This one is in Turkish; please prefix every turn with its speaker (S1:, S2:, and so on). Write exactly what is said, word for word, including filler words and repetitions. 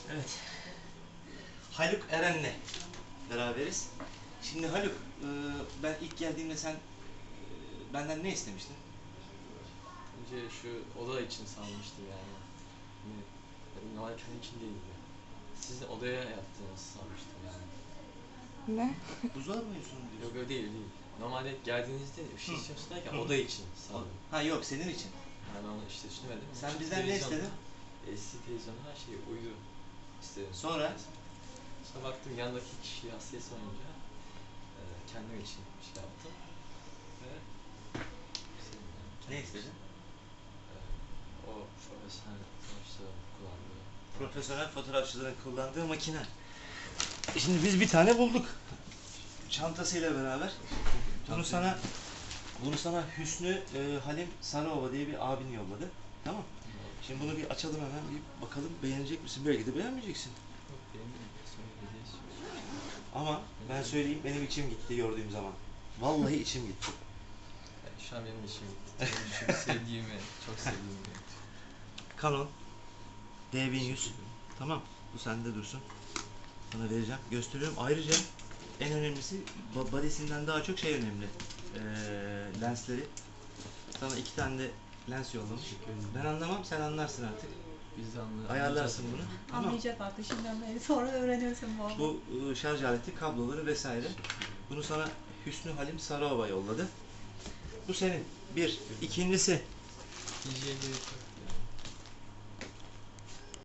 S1: Evet. Haluk Eren'le beraberiz. Şimdi Haluk, e, ben ilk geldiğimde sen e, benden ne istemiştin?
S2: Önce şu oda için sanmıştım yani. Hani normal kendi için değildi. Sizin odaya yaptığınızı sanmıştım yani.
S3: Ne?
S1: Buzdolabı mı yapıyorsun
S2: Yok
S1: diyorsun?
S2: öyle değil değil. Normalde geldiğinizde bir şey
S1: Hı.
S2: istiyorsun derken
S1: Hı.
S2: oda için sandım.
S1: Ha yok, senin için.
S2: Yani onu işte düşünemedim.
S1: Sen
S2: Şu
S1: bizden ne
S2: televizyon-
S1: istedin?
S2: L C D televizyon her şey uydu istedim.
S1: Sonra?
S2: Sonra baktım yandaki kişi hastaya sorunca e, kendim için bir şey yaptım. Ve istedim yani.
S1: Ne
S2: Kendim
S1: istedin?
S2: için. E, o profesyonel sonuçta kullandığı.
S1: Profesyonel fotoğrafçıların kullandığı makine. E Şimdi biz bir tane bulduk. Çantasıyla beraber. Bunu sana bunu sana Hüsnü e, Halim Sarıova diye bir abin yolladı. Tamam. Şimdi bunu bir açalım hemen, bir bakalım, beğenecek misin? Belki de beğenmeyeceksin.
S2: Yok benim sonra hediye istiyorum.
S1: Ama ben söyleyeyim, benim içim gitti gördüğüm zaman. Vallahi içim gitti.
S2: Yani şu an benim işim bitti. Çünkü sevdiğimi, çok sevdiğimi.
S1: Canon D bin yüz. Tamam. Bu sende dursun. Sana vereceğim. Gösteriyorum. Ayrıca en önemlisi ba- body'sinden daha çok şey önemli. Ee, lensleri. Sana iki tane de lens yollamış.
S2: Teşekkür ederim.
S1: Ben anlamam, sen anlarsın artık.
S2: Biz de anla-
S1: Ayarlarsın bunu. Tamam.
S3: Anlayacak artık şimdiden beri. Sonra öğrenirsin bu.
S1: Bu ıı, şarj aleti, kabloları vesaire. Bunu sana Hüsnü Halim Sarıova yolladı. Bu senin. Bir. İkincisi.
S2: D J'ye gerek yok.